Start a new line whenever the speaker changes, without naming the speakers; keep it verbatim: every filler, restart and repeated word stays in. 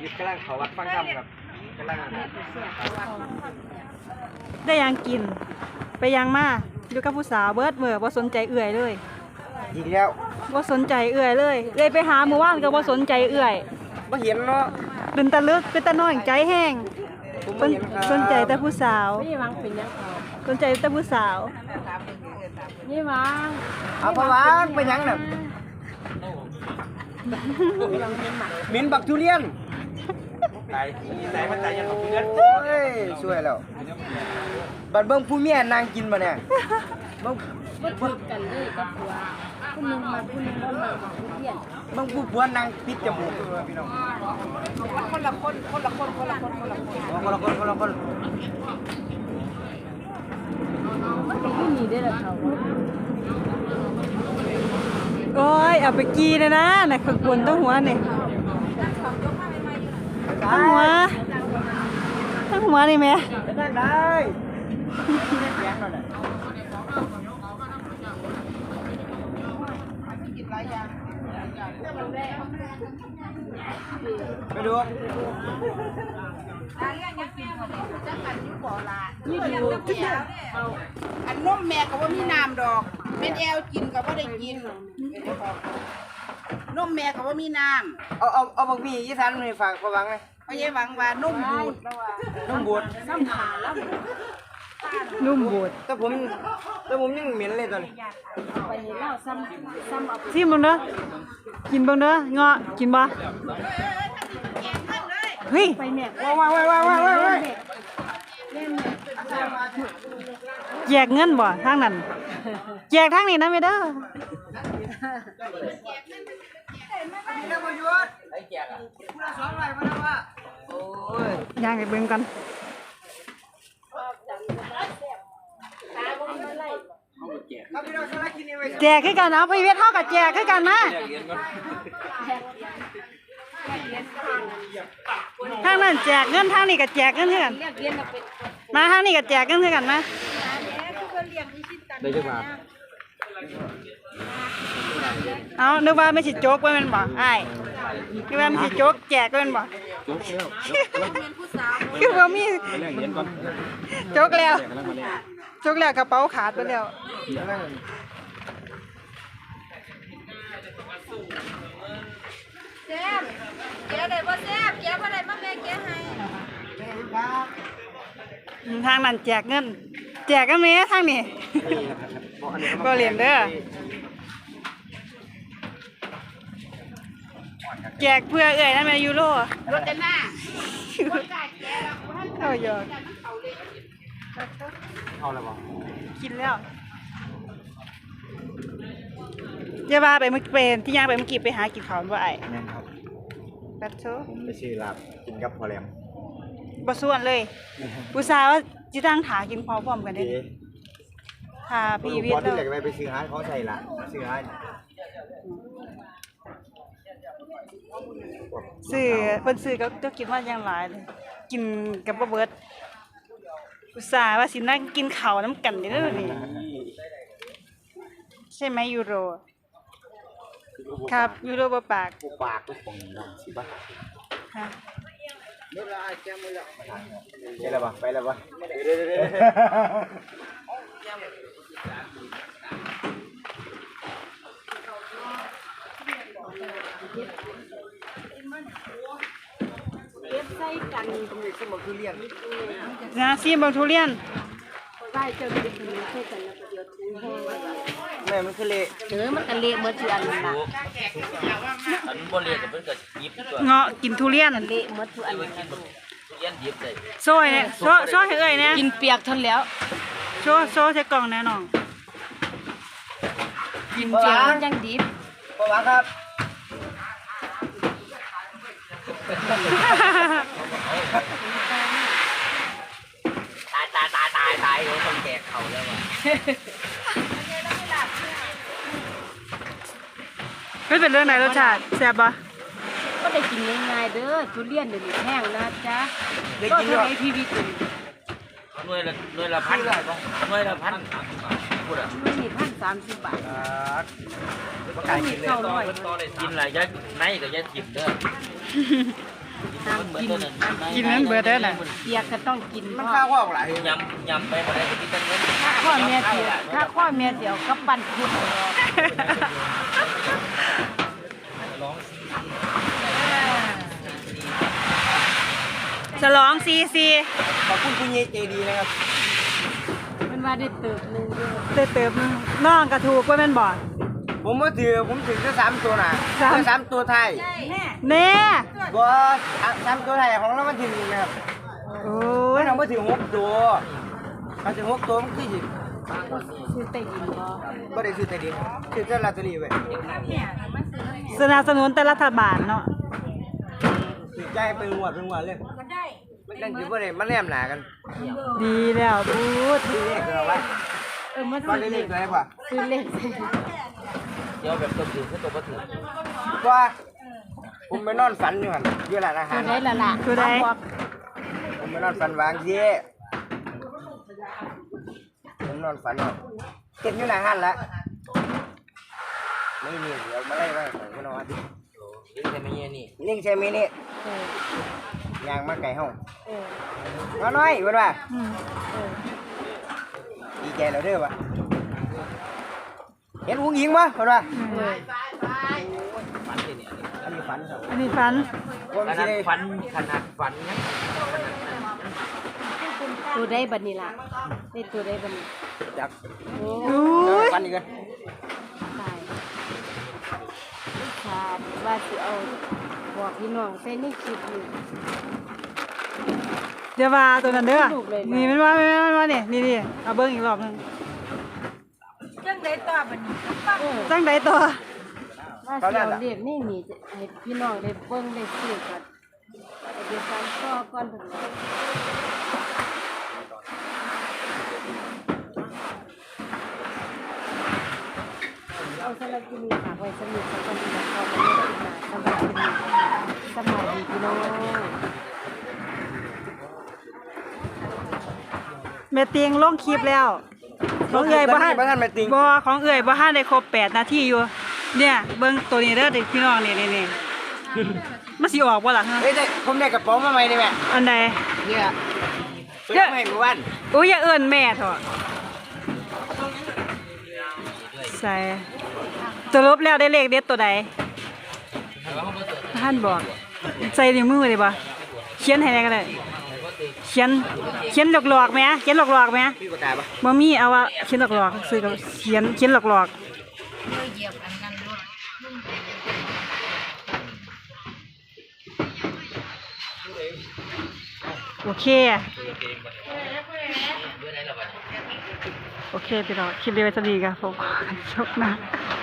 ยุทธ์กำลังเขาวัดฟังธรรมครับกำลัง
ได้ยังกินไปยังมาอยู่กับผู้สาวเบิดเมื่อบ่สนใจเอื่อยเลย
อีกแล้ว
บ่สนใจเอื่อยเลยเลยไปหาเมื่อวานก็บ่สนใจเอื่อย
บ่เห็นเนาะ
เป็นตะลึกเป็นตะน้อยใจแห้งสนใจแต่ผู้สาว
นี่วางเป็นยังเขา
สนใจแต่ผู้สาว
นี่วาง
เอาพะวางไปยังน่ะเหม็นบักทุเรียนตายตายมันตายยังบักทุเรียนเฮ้ยช่วยแล้วบัดเบิ่งผู้เมียนางกินมาเนี่ยเบิ่ง
บ่ถูกกันเลยกับผัวผู้นึงมาผู้นึงบ่มาผู้เพี้ยน
เบิ่งผู้ผัวนางปิดจมูกพี่น้องคนละคนคนละคนคนละคนคนละคนคนละคนคนละคน
ไม่มีได้ละเขา
โอ้ยเอาไปกีนะนะน่ะข้างบนต้องหัวนี่ทั้งหัวทั้งหัวนี่แม่
ได้ได้ไปดู
นี่ดูอันนมแม่ก็ว่ามีน้ำดอกเป็นแอลกินก็ว่าได้กินนมแม่ก็ว่ามีน้
ำเอาเอาเอาบางพี่ยี่สันมาฝากพวังเลย
เพราะยายหวังว่านมบูด
นมบูด
น้ำขาแล้ว
นุ่มบูด
แต่ผมแต่ผมยังเหม็นเลยตอนนี้
ไปนี่แล้วซ้ำซ้ำเอา
ซิมเบิ่งเด้อกินเบิ่งเด้อเงาะกินบ่เฮ้ย
ไปแม่
ว้าวว้าวว้าวว้าวว้าว
แจกเงินบ่ทางนั้นแจกทางนี้นะแม่เด้อย่างให้เบิ่งกันแจกคือกันเอาไปเวทเท่ากับแจกคือกันนะทางนั้นแจกเงินทางนี้ก็แจกเงินเท่ากันมาทางนี้ก็แจกเงินเท่ากันมา
ได้จังหวะ
เอานึกว่าไม่ใช่โจ๊กว่ามันบ่ไอ้นึกว่าไม่ใช่โจ๊กแจกว่ามันบ่คือว่ามีโจ๊กแล้วโจ๊กแล้วกระเป๋าขาดไปแล้ว
แซ่บแกได้บ่แซ่บแกบ่ได้มาแม่แกให้
ทางนั้นแจกเงินแจกกันไหมทางนี้ก็เรียนเด้อแจกเพื่อเอ่ยนั่นเป็นยูโร
รถเต็มหน้า
เข้าหยอก
เอาแล้วบ่
กินแล้วเจ้าบ้าไปเมื่อเป็นที่ย่างไปเมื่อกี้ไปหากินข้าวบ่ไอ้
แม่นครับ
ปัดโช
ผมไปซื้อลาบกินกับพอแรม
บ่ส่วนเลยอุตส่าห์ว่าจิตั้งถากินพร้อมๆกันได้ค่ะพี่วิทย์
พอที่เหลือไปซื้อหาเขาใส่ละซื้อหา
ซื้อเพิ่นซื้อก็ก็กินว่าอย่างหลายเลยกินกับบ่เบิดอุตส่าห์ว่าสินั่งกินข้าวน้ำกันเด้อนี่ใช่ไหมยูโรครับยูโรบ่ปาก
บ่ปากทุกคนดังสิบ่
ฮะ
เมื่อไรแจ้งมือแล้วไปแล้วปะไปแล้วปะ
เก็บใส่กัน
ตรงนี้ก็บอกทุเรียน
นะซีบังทุเรียน
ได้เจอกันใส่กันแล้วก็เดี๋ยวถึงแห้ง
แม่มันคือเละ
เออมันก็เละเมื่อเดือนนั่นล่ะ
อันบ่เละก็มันก็ยิบตัว
เงาะกินทุเรียน
เละเมื่อทุอันนั้น
ทุเรียนยิบได้
โซ่เนี่ยโซ่โซ่ให้เอ้ยเนี่ย
กินเปียกทนแล้ว
โซ่โซ่ใส่กล่องแน่นอน
กินเปียกมันยังดิบ
ปะวะครับ
ตายตายตายตายตายโดนคนแก่เขาแล้วว่ะ
ไม่เป็นเรื่องไหนรสชาติแซ่บปะ
ก็ได้กินง่ายๆเด้อทุเรียนเดี๋ยวนี้แห้งนะจ๊ะก็เท่าไหร่พี่วิทย์
หน่วยละหน่วยละพันหน่วยละพันพูดอ่ะ
หน่วยนี่พันสามสิบบาท
ประกาศกินเลย
กินอะไรยัดในกับยัดจิบเด้อ
ห้ามกิน
กินนั้นเบิดเด้อน่ะ
เปียกก็ต้องกิน
มัน
เพ
ข้า
ราะ
วข้าวหลาย
ยำยำไปมาได้ก็มีแต่เงิน
ถ้าข้อเมียเสียถ้าข้อเมียเสียวก็ปั่นคุดออก
ฉลองซีซี
ขอบคุณคุณเยใจดีนะครับ
มันว่าได้เติบหนึงด้วย
เติบเติบน้องกระถูกว่าแม่นบ่
ผมมาถือผมถือแค่สามตัวน่ะ
สาม
แค่สามตัวไทย
แน่
บ่สามตัวไทยของเรามันถือนะครับ
โอ้
มั
ย
นเอามาถือหกตัวมันถือหกตัวมันคือสิ
ซื้อใต้ดินบ่
บ่ได้ซื้อแต่เดียวซื้อแต่ลอตเตอรี่ไว้
สนับสนุนแต่รัฐบาลเนาะ
ซื้อใจเป็นงวดเป็นงวดเลยมันได้มันนั่นคือบ่ได้มันแนมหนากัน
ดีแล้วพูด
ซื้อเลขเอาไว้
เออมัน
ว่าได้เลขอะไรป่ะ
ซื้อเลข
เดี๋ยวแบบตัวถือก็ตัวก็ถือ
ว่าผมไปนอนฝันอยู่หั่นอยู่ร้านอาหา
ตั
ร
วใดล่ะล่ะ
คือได้
บอก
ผมไปนอนฝันวางเย่ผมนอนฝันว่าเก็บอยู่หน้าห้านแล้วไม่มีเดี๋ยวมาไล่ไว้ผมก็นอนดิ
นี่แต่ไม่เงี้ยนี่
นิ่งใช่ไหมนี่
เออย
างมาไก่ห้อง
เออ
น้อยน้อยเพื่อนว่า
อืม
เออ
ดีใจแล้วเด้อวะเห็นอุ้งยิงปะเพื่อนว่า
เออ
ฝันเลยเนี่ย
อันนี้ฝันครับ
อันนี้ฟัน
ผม
ข
สิ
นาด
ได้
ฝันขนาดฝันยัง
ตัวใดบัดนี้ล่ะได้ตัวใดบัดนี้
จัก
โอ้
อุ้ย
ฝันอีกกัน
ตายขาดว่าสิเอาบอกพี่น้องใส่ในคลิปอยู่
เดี๋ยวว่าตัวนั้นเด้อ
ลูกเลยนะ
นี่มันว่ามันว่านี่นี่นี่เอาเบิ้งอีกรอบหนึง
จังไดต่อบัดนี้
จังใดตัว
ว่าสิเอาเรียกนี่นี่จะให้พี่น้องได้เบิ่งได้ซื้อกันเดี๋ยวการต่อก่อนเพิ่นว่าเอาสลับกินฝากไว้สนิทสักคนที่จะเข้าไปเล่นกินมาสำหรับกินสบายดีพี่น้อง
แม่เตียงลงคลิปแล้วของเอื่อยบ่ทัน
บ่ทันแม่ติง
บ่ของเอื่อยบ่ทันได้ครบแปดนาทีอยู่ เนี่ยเบิ่งตัวนี้เด้อเด็กพี่น้องนี่นี่ๆมันสิออกบ่ล่ะฮะ
เฮ้ยได้ผมได้กระเป๋ามาใหม่นี่แม่
อันใด
เนี่ยซื้อมาให้เมื่อวาน
อุ้ยอย่าเอิ้นแม่เถอะใส่สรุปแล้วได้เลขเด็ดตัวใดท่านบอกใส่ในมือเลยบ่เขียนให้ได้ก็ได้เขียนเขียนหลอกๆไหมเขียนหลอกๆไหม
พี่กดตาปะ
บ่มีเอาว่าเขียนหลอกๆซื้อกับเขียนเขียนหลอกๆโอเคโอเคพี่น้องคลิปนี้ไว้สวัสดีครับผมขอจบนะ